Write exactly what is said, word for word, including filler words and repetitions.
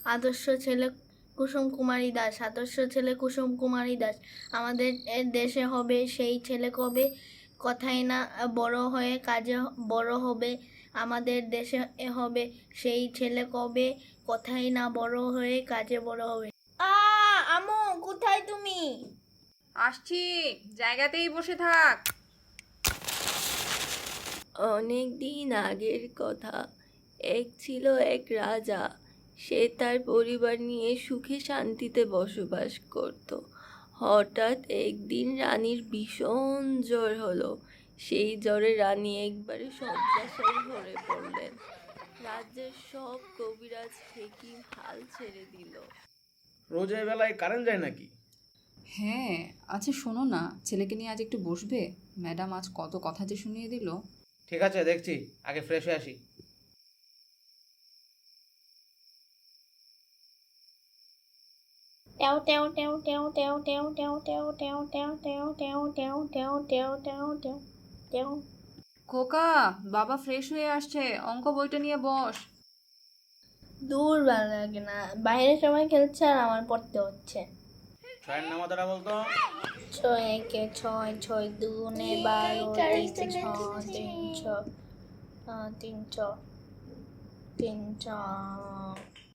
আদর্শ ছেলে কুসুম কুমারী দাস, আদর্শ ছেলে কুসুম কুমারী দাস। আমাদের দেশে হবে সেই ছেলে কবে, কথাই না বড় হয়ে কাজে বড় হবে। আমাদের দেশে হবে সেই ছেলে কবে, কথাই না বড় হয়ে কাজে বড় হবে। আ আমু, কোথায় তুমি? আসছি, জায়গাতেই বসে থাক। অনেক দিন আগের কথা। এক ছিল এক রাজা। সে তার পরিবার নিয়ে সুখে শান্তিতে বসবাস করত। হঠাৎ একদিন রানীর ভীষণ জ্বর হলো। সেই জ্বরে রানী একবারে শয্যাশায়ী হয়ে পড়লেন। রাজ্যের সব কবিরাজ হেকিম হাল ছেড়ে দিল। রোজ এই বেলায় কারেন্ট যায় নাকি? হ্যাঁ, আচ্ছা শোনো না, ছেলেকে নিয়ে আজ একটু বসবে? ম্যাডাম আজ কত কথা যে শুনিয়ে দিল। ঠিক আছে, দেখছি, আগে ফ্রেশ হয়ে আসি। টেও টেও টেও টেও টেও টেও টেও টেও টেও টেও টেও টেও টেও টেও টেও টেও টেও টেও। খোকা, বাবা ফ্রেশ হয়ে আসছে, অঙ্ক বইটা নিয়ে বস। দূর ভালো লাগে না, বাইরে সবাই খেলছে আর আমার পড়তে হচ্ছে। ছয়ের নামাতারা বলতো। ছয় একে ছয়, ছয় দুগুণে বারো, তিন ছ তিন ছ তিন ছ তিন ছ